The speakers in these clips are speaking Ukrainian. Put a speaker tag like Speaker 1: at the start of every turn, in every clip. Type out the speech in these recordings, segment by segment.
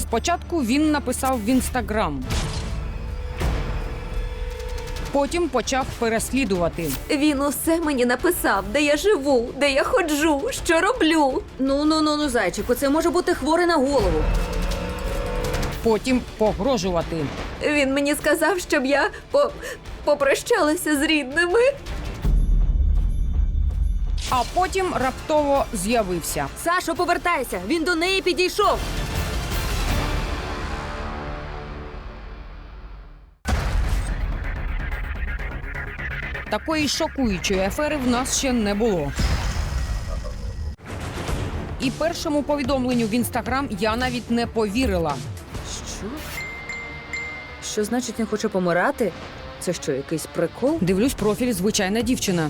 Speaker 1: Спочатку він написав в Інстаграм. Потім почав переслідувати.
Speaker 2: Він усе мені написав, де я живу, де я ходжу, що роблю.
Speaker 3: Ну, зайчику, це може бути хворий на голову.
Speaker 1: Потім погрожувати.
Speaker 2: Він мені сказав, щоб я попрощалася з рідними.
Speaker 1: А потім раптово з'явився.
Speaker 3: Сашо, повертайся! Він до неї підійшов!
Speaker 1: Такої шокуючої афери в нас ще не було. І першому повідомленню в Інстаграм я навіть не повірила.
Speaker 3: Що? Що значить не хоче помирати? Це що, якийсь прикол?
Speaker 1: Дивлюсь профіль «Звичайна дівчина».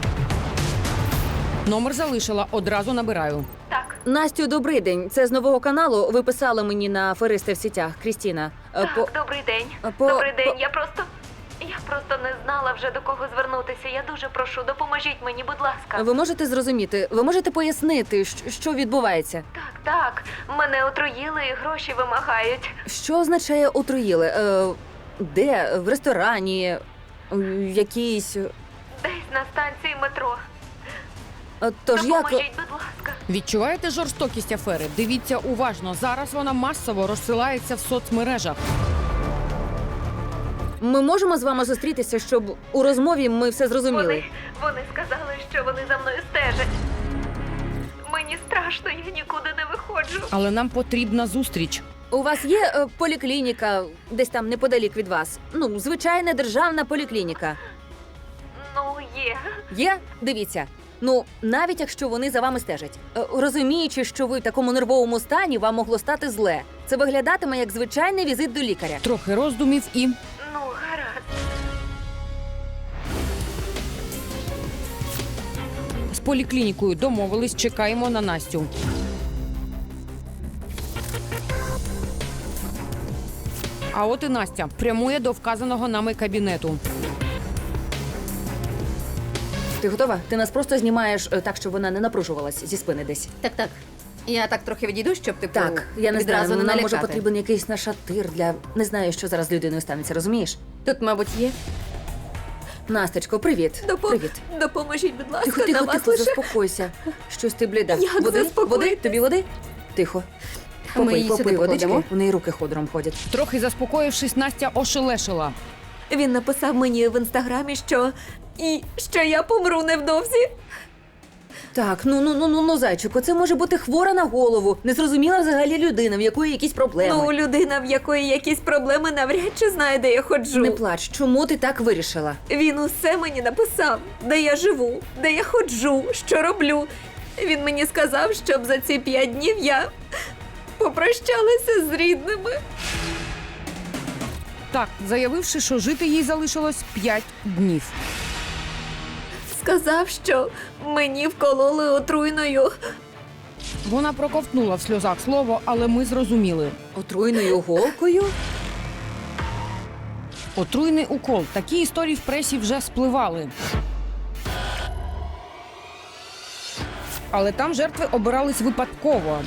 Speaker 1: Номер залишила, одразу набираю.
Speaker 3: Настю, добрий день. Це з нового каналу. Ви писали мені на аферисти в сітях, Крістіна.
Speaker 2: Так, добрий день. Добрий день. Я просто не знала вже до кого звернутися. Я дуже прошу, допоможіть мені, будь ласка.
Speaker 3: Ви можете зрозуміти, ви можете пояснити, що відбувається?
Speaker 2: Так. Мене отруїли і гроші вимагають.
Speaker 3: Що означає отруїли? Де? В ресторані? В якійсь...
Speaker 2: Десь на станції метро.
Speaker 3: Тож як...
Speaker 2: Допоможіть, будь ласка.
Speaker 1: Відчуваєте жорстокість афери? Дивіться уважно. Зараз вона масово розсилається в соцмережах.
Speaker 3: Ми можемо з вами зустрітися, щоб у розмові ми все зрозуміли?
Speaker 2: Вони сказали, що вони за мною стежать. Мені страшно, я нікуди не виходжу.
Speaker 1: Але нам потрібна зустріч.
Speaker 3: У вас є поліклініка десь там неподалік від вас? Ну, звичайна державна поліклініка.
Speaker 2: Ну, є.
Speaker 3: Є? Дивіться. Ну, навіть якщо вони за вами стежать. Розуміючи, що ви в такому нервовому стані, вам могло стати зле. Це виглядатиме як звичайний візит до лікаря.
Speaker 1: Трохи роздумів і...
Speaker 2: Ну, гаразд.
Speaker 1: З поліклінікою домовились, чекаємо на Настю. А от і Настя прямує до вказаного нами кабінету.
Speaker 3: Ти готова? Ти нас просто знімаєш так, щоб вона не напружувалась зі спини десь.
Speaker 4: Так. Я так трохи відійду, щоб типу
Speaker 3: Так, я не
Speaker 4: відразу
Speaker 3: знаю,
Speaker 4: не
Speaker 3: нам
Speaker 4: налякати.
Speaker 3: може потрібен якийсь нашатир для... Не знаю, що зараз з людиною станеться, розумієш?
Speaker 4: Тут, мабуть, є.
Speaker 3: Настечко, привіт. Привіт.
Speaker 2: Допоможіть, будь ласка,
Speaker 3: Тихо,
Speaker 2: на
Speaker 3: тихо,
Speaker 2: вас
Speaker 3: тихо,
Speaker 2: лише...
Speaker 3: заспокойся. Щось ти бліда.
Speaker 2: Як
Speaker 3: Води?
Speaker 2: заспокоїтись?
Speaker 3: Води? Тобі води? Тихо.
Speaker 4: Ми її сюди
Speaker 3: Попий водички,
Speaker 4: покладемо.
Speaker 3: у неї руки ходором ходять.
Speaker 1: Трохи заспокоївшись, Настя ошелешила.
Speaker 2: Він написав мені в інстаграмі, що я помру невдовзі.
Speaker 3: Так, ну, зайчику, це може бути хвора на голову, незрозуміла взагалі людина, в якої якісь проблеми.
Speaker 2: Ну, людина, в якої якісь проблеми, навряд чи знає, де я ходжу.
Speaker 3: Не плач, чому ти так вирішила?
Speaker 2: Він усе мені написав, де я живу, де я ходжу, що роблю. Він мені сказав, щоб за ці 5 днів я попрощалася з рідними.
Speaker 1: Так, заявивши, що жити їй залишилось 5 днів.
Speaker 2: Сказав, що мені вкололи отруйною.
Speaker 1: Вона проковтнула в сльозах слово, але ми зрозуміли.
Speaker 3: Отруйною голкою?
Speaker 1: Отруйний укол. Такі історії в пресі вже спливали. Але там жертви обирались випадково.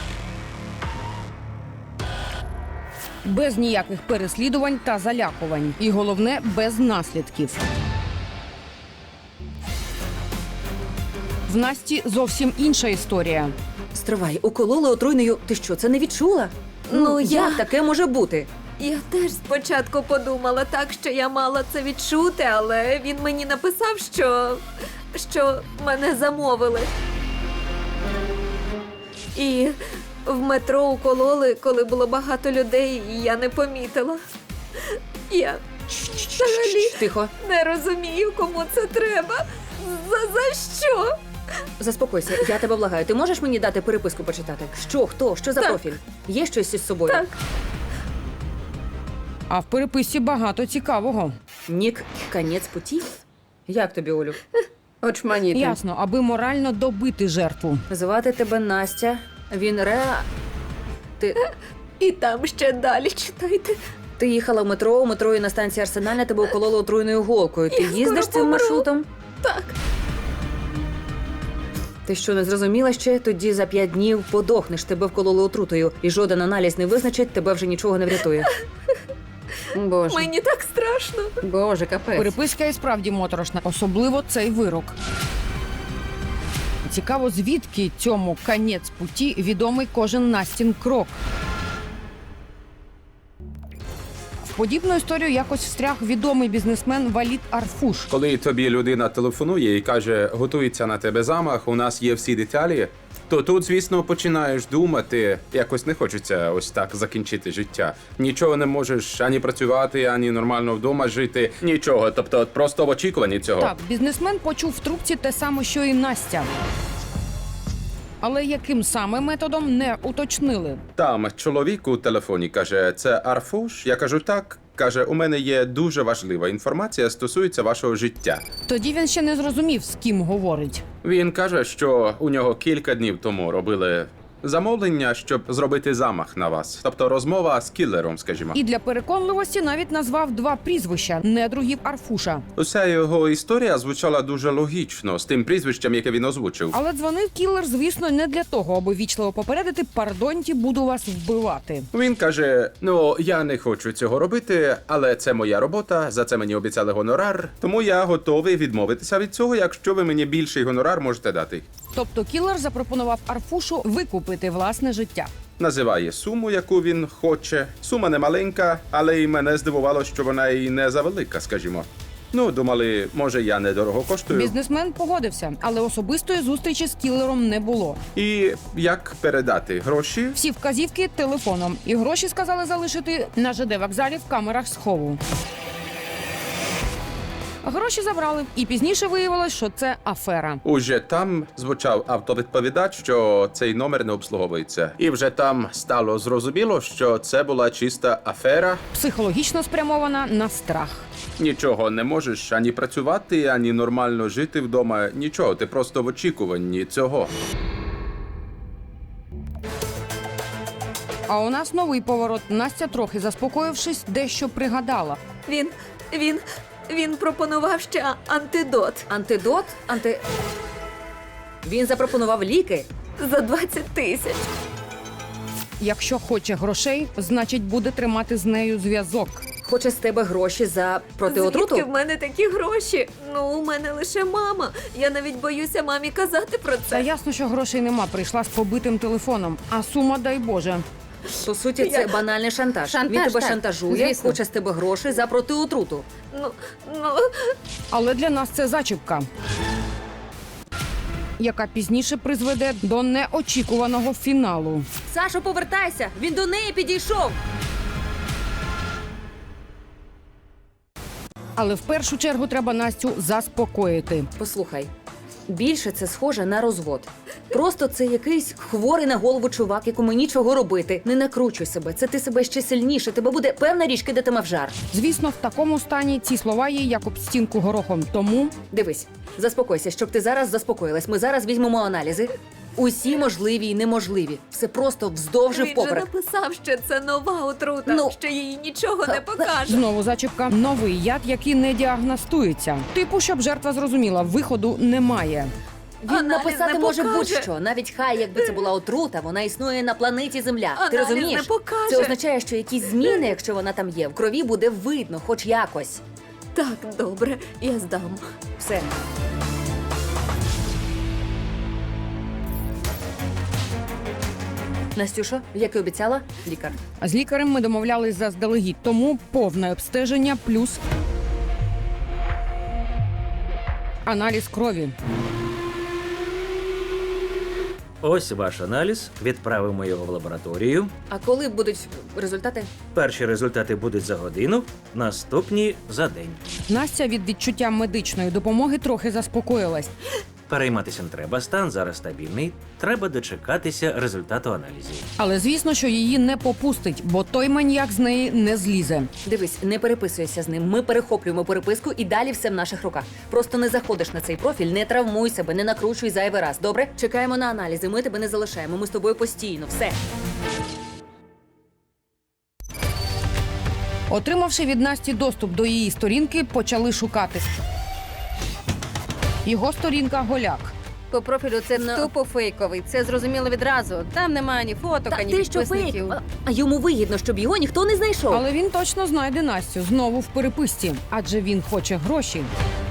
Speaker 1: Без ніяких переслідувань та залякувань. І головне, без наслідків. В Насті зовсім інша історія.
Speaker 3: Стривай, укололи отруйною. Ти що, це не відчула?
Speaker 2: Ну, я-
Speaker 3: як таке може бути?
Speaker 2: Я теж спочатку подумала так, що я мала це відчути, але він мені написав, що мене замовили. І в метро укололи, коли було багато людей, і я не помітила. Я взагалі
Speaker 3: Тихо,
Speaker 2: не розумію, кому це треба. За що?
Speaker 3: заспокойся, я тебе благаю. Ти можеш мені дати переписку почитати? Що, хто, що за
Speaker 2: Так.
Speaker 3: профіль? Є щось із собою?
Speaker 2: Так.
Speaker 1: А в переписці багато цікавого.
Speaker 3: Нік, конець путі? Як тобі, Олю?
Speaker 4: Очманіти.
Speaker 1: Ясно, аби морально добити жертву.
Speaker 3: Звати тебе Настя. Він Ти
Speaker 2: І там ще далі читайте.
Speaker 3: їхала в метро, у метро і на станції Арсенальна тебе укололи отруйною голкою. Ти
Speaker 2: Я
Speaker 3: їздиш
Speaker 2: скоро
Speaker 3: цим
Speaker 2: помру.
Speaker 3: маршрутом?
Speaker 2: Так.
Speaker 3: Ти що, не зрозуміла ще? Тоді за 5 днів подохнеш, тебе вкололи отрутою, і жоден аналіз не визначить, тебе вже нічого не врятує.
Speaker 4: Боже,
Speaker 2: Мені так страшно.
Speaker 4: Боже, капець.
Speaker 1: Переписка і справді моторошна, особливо цей вирок. Цікаво, звідки цьому «конець путі» відомий кожен Настін крок. В подібну історію якось встряг відомий бізнесмен Валід Арфуш.
Speaker 5: Коли тобі людина телефонує і каже, готується на тебе замах, у нас є всі деталі, то тут, звісно, починаєш думати, якось не хочеться ось так закінчити життя. Нічого не можеш ані працювати, ані нормально вдома жити, нічого. Тобто от просто в очікуванні цього.
Speaker 1: Так, бізнесмен почув в трубці те саме, що і Настя. Але яким саме методом, не уточнили.
Speaker 5: Там чоловік у телефоні каже, це Арфуш? Я кажу, так. Каже, у мене є дуже важлива інформація, стосується вашого життя.
Speaker 1: Тоді він ще не зрозумів, з ким говорить.
Speaker 5: Він каже, що у нього кілька днів тому робили замовлення, щоб зробити замах на вас. Тобто розмова з кілером, скажімо.
Speaker 1: І для переконливості навіть назвав 2 прізвища недругів Арфуша.
Speaker 5: Уся його історія звучала дуже логічно з тим прізвищем, яке він озвучив.
Speaker 1: Але дзвонив кілер, звісно, не для того, аби вічливо попередити «пардоньте, буду вас вбивати».
Speaker 5: Він каже: ну я не хочу цього робити, але це моя робота. За це мені обіцяли гонорар. Тому я готовий відмовитися від цього, якщо ви мені більший гонорар можете дати.
Speaker 1: Тобто кілер запропонував Арфушу викупити власне життя.
Speaker 5: Називає суму, яку він хоче. Сума не маленька, але й мене здивувало, що вона і не завелика, скажімо. Ну, думали, може, я недорого коштую.
Speaker 1: Бізнесмен погодився, але особистої зустрічі з кілером не було.
Speaker 5: І як передати гроші?
Speaker 1: Всі вказівки телефоном. І гроші сказали залишити на ЖД-вокзалі в камерах схову. Гроші забрали, і пізніше виявилось, що це афера.
Speaker 5: Уже там звучав автовідповідач, що цей номер не обслуговується. І вже там стало зрозуміло, що це була чиста афера.
Speaker 1: Психологічно спрямована на страх.
Speaker 5: Нічого не можеш ані працювати, ані нормально жити вдома. Нічого, ти просто в очікуванні цього.
Speaker 1: А у нас новий поворот. Настя, трохи заспокоївшись, дещо пригадала.
Speaker 2: Він пропонував ще антидот
Speaker 3: Антидот? Він запропонував ліки?
Speaker 2: за 20 тисяч.
Speaker 1: Якщо хоче грошей, значить буде тримати з нею зв'язок.
Speaker 3: Хоче з тебе гроші за протиотруту?
Speaker 2: Звідки в мене такі гроші? Ну, у мене лише мама. Я навіть боюся мамі казати про
Speaker 1: Та
Speaker 2: це.
Speaker 1: ясно, що грошей нема, прийшла з побитим телефоном. А сума, дай Боже.
Speaker 3: По суті, це банальний шантаж.
Speaker 4: Шантаж,
Speaker 3: Він тебе
Speaker 4: так,
Speaker 3: шантажує,
Speaker 4: звісно.
Speaker 3: хоче з тебе гроші за протиотруту.
Speaker 2: Ну,
Speaker 1: Але для нас це зачіпка, яка пізніше призведе до неочікуваного фіналу.
Speaker 3: Сашо, повертайся! Він до неї підійшов!
Speaker 1: Але в першу чергу треба Настю заспокоїти.
Speaker 3: Послухай, більше це схоже на розвод. Просто це якийсь хворий на голову чувак, якому нічого робити. Не накручуй себе, це ти себе ще сильніше. Тебе буде певна річ кидатиме в жар.
Speaker 1: Звісно, в такому стані ці слова їй як об стінку горохом. Тому
Speaker 3: Дивись, заспокойся, щоб ти зараз заспокоїлась. Ми зараз візьмемо аналізи. Усі можливі і неможливі. Все просто вздовж і
Speaker 2: він же
Speaker 3: впоперек.
Speaker 2: написав, що це нова отрута,
Speaker 3: Ну,
Speaker 2: що їй нічого не покаже.
Speaker 1: знову зачіпка. Новий яд, який не діагностується. Типу, щоб жертва зрозуміла, виходу немає.
Speaker 3: Він
Speaker 2: Аналіз
Speaker 3: написати
Speaker 2: не
Speaker 3: може
Speaker 2: покаже.
Speaker 3: будь-що. Навіть хай, якби це була отрута, вона існує на планеті Земля. Ти
Speaker 2: Аналіз
Speaker 3: розумієш?
Speaker 2: не покаже.
Speaker 3: Це означає, що якісь зміни, якщо вона там є, в крові буде видно, хоч якось.
Speaker 2: Так, добре, я здам.
Speaker 3: Все. Настюшо, як і обіцяла, лікар.
Speaker 1: З лікарем ми домовлялись заздалегідь, тому повне обстеження плюс аналіз крові.
Speaker 6: Ось ваш аналіз. Відправимо його в лабораторію.
Speaker 3: А коли будуть результати?
Speaker 6: Перші результати будуть за годину, наступні за день.
Speaker 1: Настя від відчуття медичної допомоги трохи заспокоїлась.
Speaker 6: Перейматися не треба, стан зараз стабільний. Треба дочекатися результату аналізів.
Speaker 1: Але звісно, що її не попустить, бо той маніяк з неї не злізе.
Speaker 3: Дивись, не переписуйся з ним. Ми перехоплюємо переписку і далі все в наших руках. Просто не заходиш на цей профіль, не травмуй себе, не накручуй зайвий раз. Добре? Чекаємо на аналізи. Ми тебе не залишаємо. Ми з тобою постійно. Все.
Speaker 1: Отримавши від Насті доступ до її сторінки, почали шукати. Його сторінка Голяк.
Speaker 4: По профілю це
Speaker 3: Ну.
Speaker 4: тупо фейковий. Це зрозуміло відразу. Там немає ні фоток,
Speaker 3: Та
Speaker 4: ані
Speaker 3: ти що фейк?
Speaker 4: підписників.
Speaker 3: А йому вигідно, щоб його ніхто не знайшов.
Speaker 1: Але він точно знайде Настю знову в переписці, адже він хоче гроші.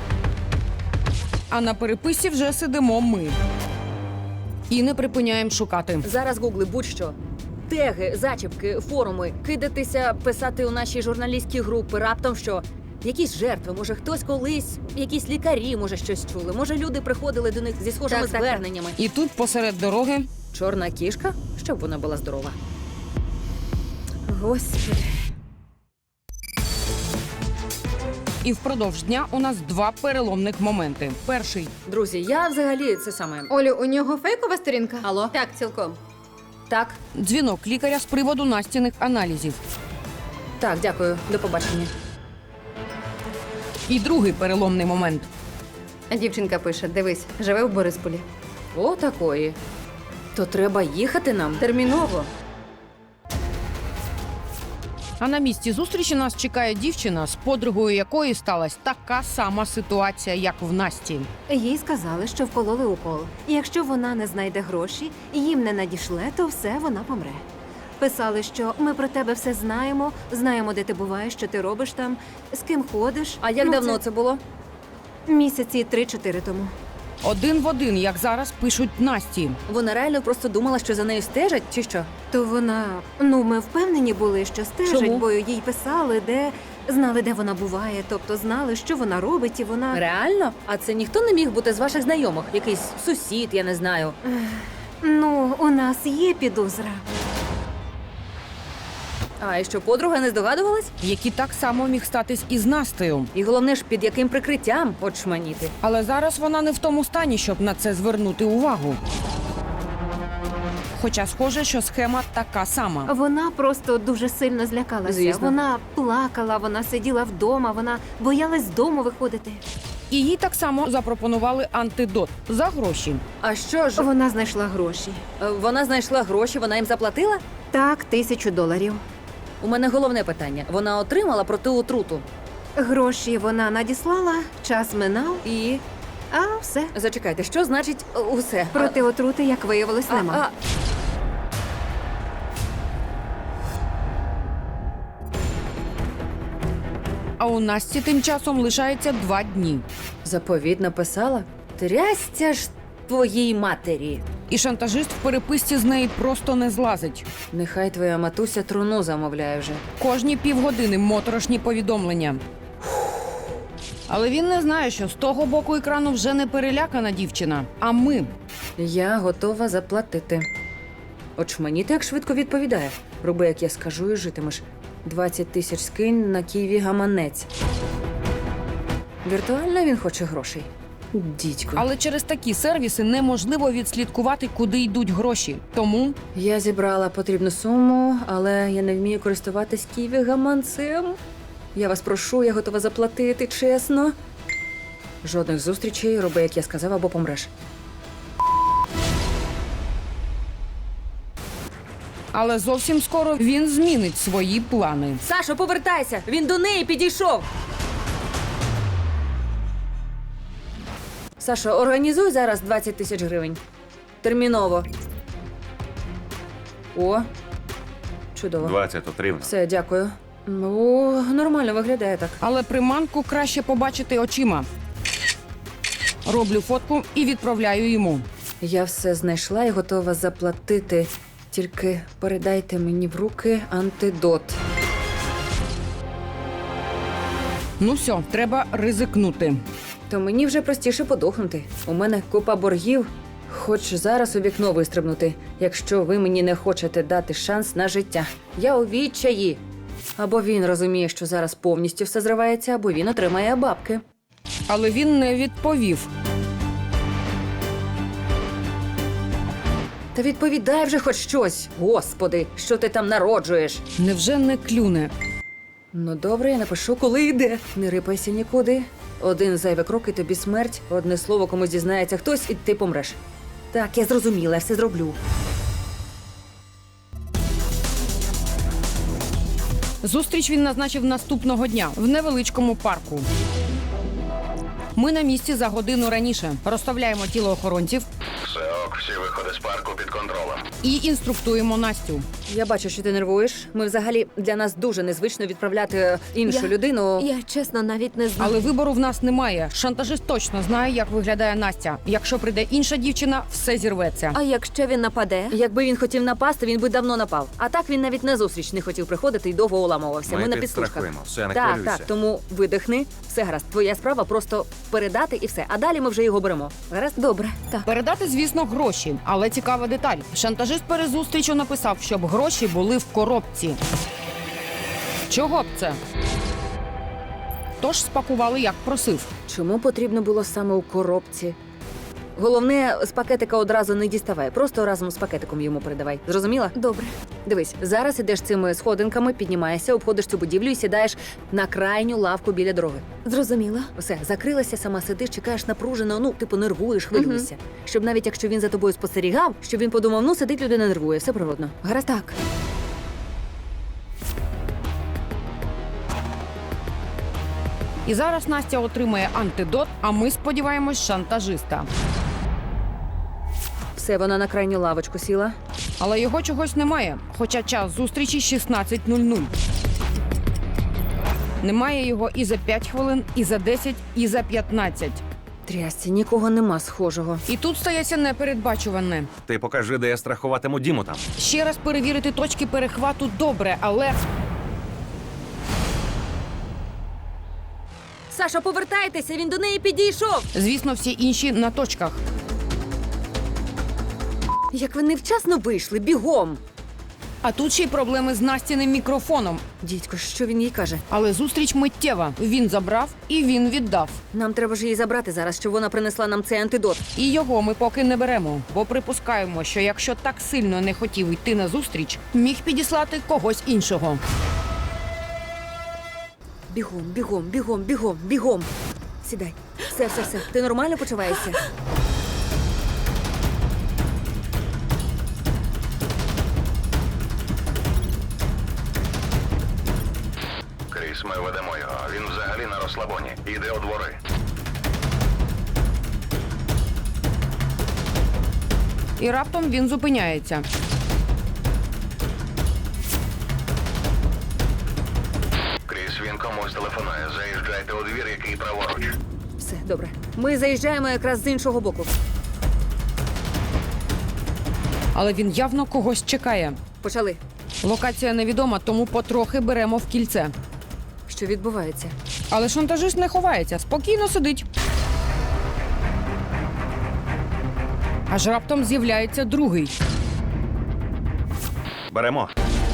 Speaker 1: А на переписці вже сидимо ми. І не припиняємо шукати.
Speaker 3: Зараз гугли будь-що. Теги, зачіпки, форуми, кидатися, писати у наші журналістські групи, раптом що. Якісь жертви, може хтось колись, якісь лікарі, може щось чули. Може люди приходили до них зі схожими
Speaker 4: Так, так, так.
Speaker 3: зверненнями.
Speaker 1: І тут посеред дороги
Speaker 3: Чорна кішка, щоб вона була здорова. Господи.
Speaker 1: і впродовж дня у нас два переломних моменти. Перший
Speaker 3: Друзі, я взагалі це саме.
Speaker 7: Олю, у нього фейкова сторінка?
Speaker 3: Алло?
Speaker 4: Так, цілком.
Speaker 3: Так,
Speaker 1: дзвінок лікаря з приводу Настіних аналізів.
Speaker 3: так, дякую. До побачення.
Speaker 1: І другий переломний момент.
Speaker 4: Дівчинка пише: дивись, живе в Борисполі.
Speaker 3: О, такої. То треба їхати нам.
Speaker 4: Терміново.
Speaker 1: А на місці зустрічі нас чекає дівчина, з подругою якої сталася така сама ситуація, як в Насті.
Speaker 2: Їй сказали, що вкололи укол. І якщо вона не знайде гроші і їм не надішле, то все, вона помре. Писали, що ми про тебе все знаємо, знаємо, де ти буваєш, що ти робиш там, з ким ходиш.
Speaker 3: А як
Speaker 2: Ну,
Speaker 3: давно це було?
Speaker 2: Місяці 3-4 тому.
Speaker 1: Один в один, як зараз пишуть Насті.
Speaker 3: Вона реально просто думала, що за нею стежать, чи що?
Speaker 2: То вона, ми впевнені були, що стежать,
Speaker 3: Чому?
Speaker 2: бо їй писали, знали, де вона буває, тобто знали, що вона робить, і вона.
Speaker 3: Реально? А це ніхто не міг бути з ваших знайомих? Якийсь сусід, я не знаю.
Speaker 2: У нас є підозра.
Speaker 3: А і що, подруга не здогадувалась?
Speaker 1: Які так само міг статись і з Настею.
Speaker 3: І головне ж, під яким прикриттям от шманіти.
Speaker 1: Але зараз вона не в тому стані, щоб на це звернути увагу. Хоча схоже, що схема така сама.
Speaker 2: Вона просто дуже сильно злякалася.
Speaker 3: Звісно.
Speaker 2: Вона плакала, вона сиділа вдома, вона боялась з дому виходити.
Speaker 1: І їй так само запропонували антидот за гроші.
Speaker 3: А що ж,
Speaker 2: Вона знайшла гроші.
Speaker 3: вона знайшла гроші, вона їм заплатила?
Speaker 2: Так, $1000.
Speaker 3: У мене головне питання. Вона отримала протиотруту.
Speaker 2: Гроші вона надіслала, час минав,
Speaker 3: І
Speaker 2: а все.
Speaker 3: зачекайте, що значить усе?
Speaker 2: Проти отрути, як виявилось, нема.
Speaker 1: А у Насті тим часом лишається 2 дні.
Speaker 3: Заповіт написала? Трясця ж твоїй матері.
Speaker 1: І шантажист в переписці з неї просто не злазить.
Speaker 3: Нехай твоя матуся труну замовляє вже.
Speaker 1: Кожні півгодини моторошні повідомлення. Але він не знає, що з того боку екрану вже не перелякана дівчина, а ми.
Speaker 3: Я готова заплатити. Очманіти, як швидко відповідає. Роби, як я скажу, і житимеш. 20 тисяч скинь на Києві гаманець. Віртуально він хоче грошей. Дідько.
Speaker 1: Але через такі сервіси неможливо відслідкувати, куди йдуть гроші. Тому
Speaker 3: Я зібрала потрібну суму, але я не вмію користуватись Києві гаманцем. Я вас прошу, я готова заплатити, чесно. Жодних зустрічей, роби, як я сказав, або помреш.
Speaker 1: але зовсім скоро він змінить свої плани.
Speaker 3: Сашо, повертайся! Він до неї підійшов. Сашо, організуй зараз 20 тисяч гривень. Терміново. О, чудово.
Speaker 8: 20 отримано.
Speaker 3: Все, дякую. О, нормально виглядає так.
Speaker 1: Але приманку краще побачити очима. Роблю фотку і відправляю йому.
Speaker 3: Я все знайшла і готова заплатити. Тільки передайте мені в руки антидот.
Speaker 1: Ну все, треба ризикнути.
Speaker 3: То мені вже простіше подохнути. У мене купа боргів. Хоч зараз у вікно вистрибнути, якщо ви мені не хочете дати шанс на життя. Я у відчаї. Або він розуміє, що зараз повністю все зривається, або він отримає бабки.
Speaker 1: Але він не відповів.
Speaker 3: Та відповідай вже хоч щось. Господи, що ти там народжуєш?
Speaker 1: Невже не клюне?
Speaker 3: Ну добре, я напишу, коли йде. Не рипайся нікуди. Один зайвий крок і тобі смерть. Одне слово комусь дізнається хтось, і ти помреш. Так, я зрозуміла, я все зроблю.
Speaker 1: Зустріч він назначив наступного дня в невеличкому парку. Ми на місці за годину раніше. Розставляємо тіло охоронців
Speaker 8: Все ок, всі виходи з парку під контролем.
Speaker 1: і інструктуємо Настю.
Speaker 3: Я бачу, що ти нервуєш. Ми взагалі для нас дуже незвично відправляти іншу людину.
Speaker 2: Я чесно навіть не знаю.
Speaker 1: Але вибору в нас немає. Шантажист точно знає, як виглядає Настя. Якщо прийде інша дівчина, все зірветься.
Speaker 2: А якщо він нападе?
Speaker 3: Якби він хотів напасти, він би давно напав. А так він навіть на зустріч не хотів приходити і довго уламувався. Ми на підслужках.
Speaker 9: підстрахуємо, все, не
Speaker 3: Так,
Speaker 9: хвилюйся.
Speaker 3: так. Тому видихни, все гаразд. Твоя справа просто передати і все. А далі ми вже його беремо. Гаразд?
Speaker 2: Добре, так.
Speaker 1: Передати, звісно, гроші, але цікава деталь. Шантажист перед зустрічю написав, щоб гроші були в коробці. Чого б це? Тож спакували, як просив.
Speaker 3: Чому потрібно було саме у коробці? Головне, з пакетика одразу не діставай, просто разом з пакетиком йому передавай. Зрозуміла?
Speaker 2: Добре.
Speaker 3: Дивись, зараз ідеш цими сходинками, піднімаєшся, обходиш цю будівлю і сідаєш на крайню лавку біля дороги.
Speaker 2: Зрозуміла.
Speaker 3: Все, закрилася, сама сидиш, чекаєш напружено, ну, типу, нервуєш, хвилюєшся. Щоб навіть якщо він за тобою спостерігав, щоб він подумав, ну, сидить людина, нервує, все природно. Гаразд?
Speaker 2: Так.
Speaker 1: І зараз Настя отримає антидот, а ми сподіваємось шантажиста.
Speaker 3: Все, вона на крайню лавочку сіла.
Speaker 1: Але його чогось немає, хоча час зустрічі 16:00. Немає його і за 5 хвилин, і за 10, і за 15.
Speaker 3: Трясці, нікого нема схожого.
Speaker 1: І тут стається непередбачуване.
Speaker 9: Ти покажи, де я страхуватиму Діму там.
Speaker 1: Ще раз перевірити точки перехвату добре, але
Speaker 3: Саша, повертайтеся, він до неї підійшов.
Speaker 1: звісно, всі інші на точках.
Speaker 3: Як ви невчасно вийшли, бігом.
Speaker 1: А тут ще й проблеми з Настіним мікрофоном.
Speaker 3: Дідько, що він їй каже?
Speaker 1: Але зустріч миттєва. Він забрав і він віддав.
Speaker 3: Нам треба ж її забрати зараз, щоб вона принесла нам цей антидот.
Speaker 1: І його ми поки не беремо, бо припускаємо, що якщо так сильно не хотів йти на зустріч, міг підіслати когось іншого.
Speaker 3: Бігом, бігом, бігом, бігом, бігом. Сідай. Все. Ти нормально почуваєшся?
Speaker 8: Кріс, ми ведемо його. Він взагалі на розслабоні. Іде у двори.
Speaker 1: І раптом він зупиняється.
Speaker 8: Кріс, він комусь телефонує. Заїжджайте у двір, який праворуч.
Speaker 3: Все, добре. Ми заїжджаємо якраз з іншого боку.
Speaker 1: Але він явно когось чекає.
Speaker 3: Почали.
Speaker 1: Локація невідома, тому потрохи беремо в кільце.
Speaker 3: Що відбувається?
Speaker 1: Але шантажист не ховається, спокійно сидить. Аж раптом з'являється другий.
Speaker 9: Беремо.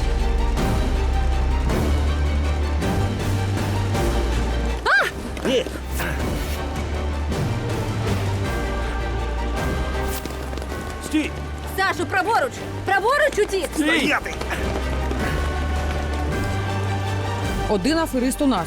Speaker 6: Ні, стій!
Speaker 4: Сашу, праворуч! Праворуч утік!
Speaker 6: Стояти!
Speaker 1: Один аферист у нас.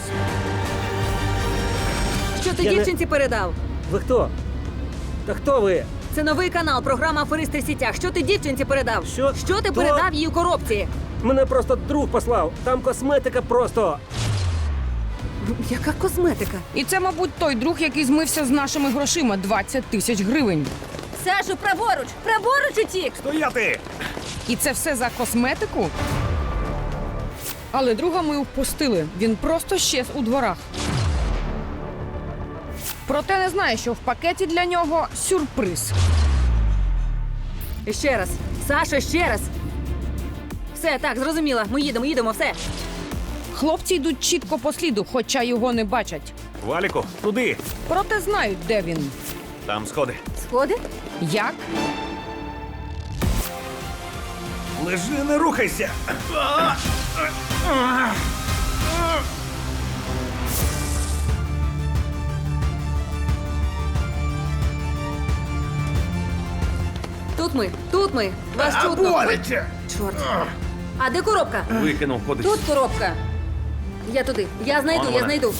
Speaker 3: Що ти
Speaker 6: Я не-
Speaker 3: дівчинці передав?
Speaker 6: Ви хто? Та хто ви?
Speaker 3: Це новий канал, програма «Аферисти в сітях». Що ти дівчинці передав?
Speaker 6: Що?
Speaker 3: Що ти
Speaker 6: Хто?
Speaker 3: передав їй у коробці?
Speaker 6: Мене просто друг послав. Там косметика просто.
Speaker 3: Яка косметика?
Speaker 1: І це, мабуть, той друг, який змився з нашими грошима 20 тисяч гривень.
Speaker 4: Сашу, праворуч! Праворуч утік!
Speaker 6: Стояти!
Speaker 1: І це все за косметику? Але друга ми впустили. Він просто щез у дворах. Проте не знає, що в пакеті для нього сюрприз.
Speaker 3: І ще раз. Сашо, ще раз. Все, так, зрозуміла. Ми їдемо, все.
Speaker 1: Хлопці йдуть чітко по сліду, хоча його не бачать.
Speaker 9: Валіку, туди.
Speaker 1: Проте знають, де він.
Speaker 9: Там сходи.
Speaker 2: Сходи?
Speaker 1: Як?
Speaker 9: Лежи, не рухайся.
Speaker 3: Тут ми. Вас чутно. Чорт. А де коробка?
Speaker 9: Викинув кудись.
Speaker 3: Тут коробка. Я туди. Я знайду.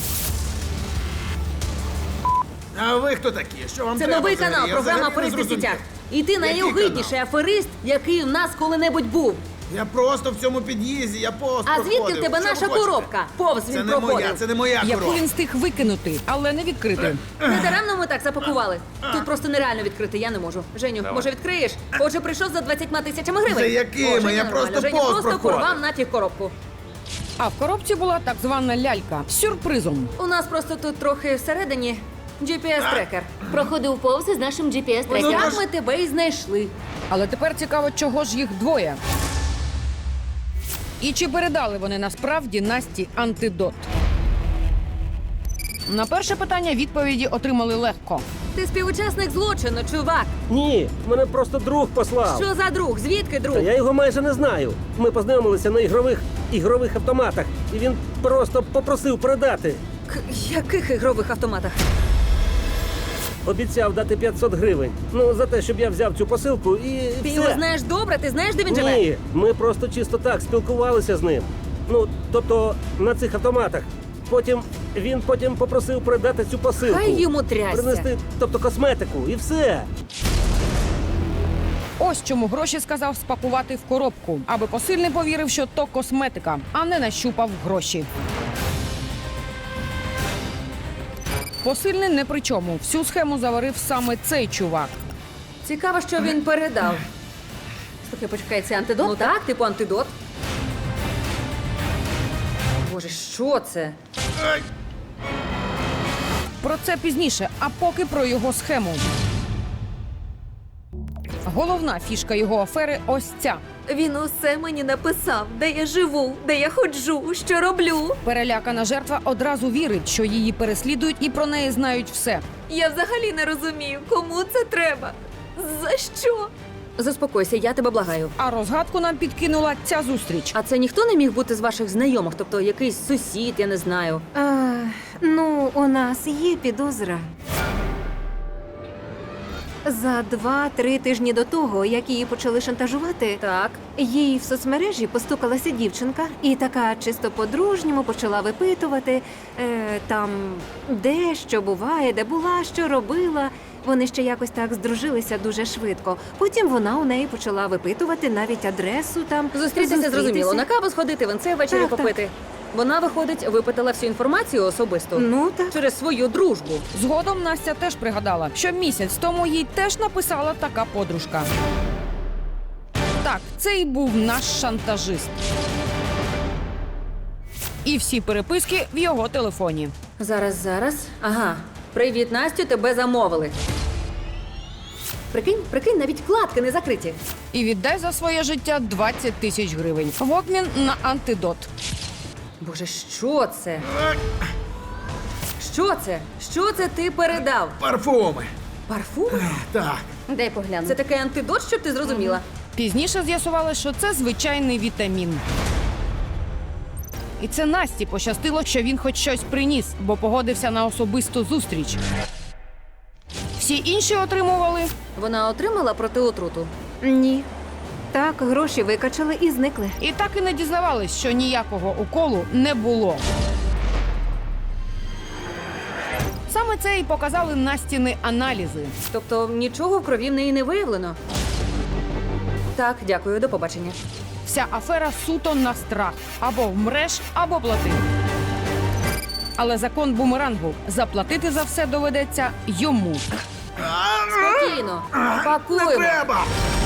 Speaker 10: А ви хто такі? Що вам
Speaker 3: Це
Speaker 10: треба
Speaker 3: новий
Speaker 10: взагалі?
Speaker 3: канал,
Speaker 10: Я
Speaker 3: програма
Speaker 10: взагалі не
Speaker 3: «Аферисти в
Speaker 10: зрозумів.
Speaker 3: сітях». І ти
Speaker 10: Який
Speaker 3: найогидніший аферист, який в нас коли-небудь був.
Speaker 10: Я просто в цьому під'їзді, я повз
Speaker 3: А звідки
Speaker 10: проходив.
Speaker 3: в тебе
Speaker 10: Що
Speaker 3: наша
Speaker 10: ви хочете?
Speaker 3: коробка? Повз
Speaker 10: Це
Speaker 3: він
Speaker 10: не
Speaker 3: проходив.
Speaker 10: моя, це не моя
Speaker 1: Яку
Speaker 10: коробка.
Speaker 1: він встиг викинути, але не відкрити.
Speaker 3: Не даремно ми так запакували. Тут просто нереально відкрити, я не можу. Женю, може відкриєш? Отже, прийшов за 20 тисячами гривень.
Speaker 10: За якими?
Speaker 3: О, Женя,
Speaker 10: Я
Speaker 3: нормально.
Speaker 10: просто
Speaker 3: Женя
Speaker 10: повз
Speaker 3: просто
Speaker 10: проходив.
Speaker 3: порвав нафіг коробку.
Speaker 1: А в коробці була так звана лялька з сюрпризом.
Speaker 3: У нас просто тут трохи всередині GPS-трекер.
Speaker 2: Проходив повз із нашим
Speaker 3: Ось
Speaker 2: GPS-трекером.
Speaker 3: так ми тебе і знайшли.
Speaker 1: Але тепер цікаво, чого ж їх двоє. І чи передали вони насправді Насті антидот? На перше питання відповіді отримали легко.
Speaker 3: Ти співучасник злочину, чувак.
Speaker 11: Ні, мене просто друг послав.
Speaker 3: Що за друг? Звідки друг?
Speaker 11: Та я його майже не знаю. Ми познайомилися на ігрових автоматах, і він просто попросив передати.
Speaker 3: Яких ігрових автоматах?
Speaker 11: Обіцяв дати 500 гривень. Ну, за те, щоб я взяв цю посилку і
Speaker 3: Ти
Speaker 11: все.
Speaker 3: його знаєш добре? Ти знаєш, де він живе?
Speaker 11: Ні, ми просто чисто так спілкувалися з ним. Ну, тобто на цих автоматах. Він потім попросив передати цю посилку.
Speaker 3: Хай йому трясся.
Speaker 11: Принести, тобто косметику, і все.
Speaker 1: Ось чому гроші сказав спакувати в коробку, аби посильний повірив, що то косметика, а не нащупав гроші. Посильний не при чому. Всю схему заварив саме цей чувак.
Speaker 3: Цікаво, що він передав.
Speaker 4: Слухай, почекай, це антидот?
Speaker 3: Ну так, типу антидот. Боже, що це?
Speaker 1: Про це пізніше, а поки про його схему. Головна фішка його афери ось ця.
Speaker 2: Він усе мені написав, де я живу, де я ходжу, що роблю.
Speaker 1: Перелякана жертва одразу вірить, що її переслідують і про неї знають все.
Speaker 2: Я взагалі не розумію, кому це треба. За що?
Speaker 3: Заспокойся, я тебе благаю.
Speaker 1: А розгадку нам підкинула ця зустріч.
Speaker 3: А це ніхто не міг бути з ваших знайомих? Тобто якийсь сусід, я не знаю.
Speaker 2: Ну, у нас є підозра. За 2-3 тижні до того, як її почали шантажувати,
Speaker 3: Так.
Speaker 2: їй в соцмережі постукалася дівчинка і така чисто по-дружньому почала випитувати там, де що буває, де була, що робила. Вони ще якось так здружилися дуже швидко. Потім вона у неї почала випитувати навіть адресу там.
Speaker 3: Зустрітися зрозуміло. На каву сходити, венце ввечері
Speaker 2: Так, так.
Speaker 3: попити. Вона, виходить, випитала всю інформацію особисто.
Speaker 2: Ну так.
Speaker 3: Через свою дружбу.
Speaker 1: Згодом Настя теж пригадала, що місяць тому їй теж написала така подружка. Так, це і був наш шантажист. І всі переписки в його телефоні.
Speaker 3: Зараз. Ага. Привіт, Настю, тебе замовили. Прикинь, навіть вкладки не закриті.
Speaker 1: І віддай за своє життя 20 тисяч гривень. В обмін на антидот.
Speaker 3: Боже, що це? Що це? Що це ти передав?
Speaker 10: Парфуми.
Speaker 3: Парфум?
Speaker 10: Так.
Speaker 4: Дай погляну.
Speaker 3: Це такий антидот, щоб ти зрозуміла.
Speaker 1: Пізніше з'ясували, що це звичайний вітамін. І це Насті пощастило, що він хоч щось приніс, бо погодився на особисту зустріч. Всі інші отримували
Speaker 3: Вона отримала протиотруту.
Speaker 2: Ні. Так, гроші викачали і зникли.
Speaker 1: і так і не дізнавались, що ніякого уколу не було. Саме це і показали Настіни аналізи.
Speaker 3: Тобто нічого в крові в неї не виявлено. Так, дякую, до побачення.
Speaker 1: Вся афера суто на страх. Або вмреш, або плати. Але закон бумерангу. Заплатити за все доведеться йому.
Speaker 3: Спокійно,
Speaker 10: Не
Speaker 3: пакуємо.
Speaker 10: треба!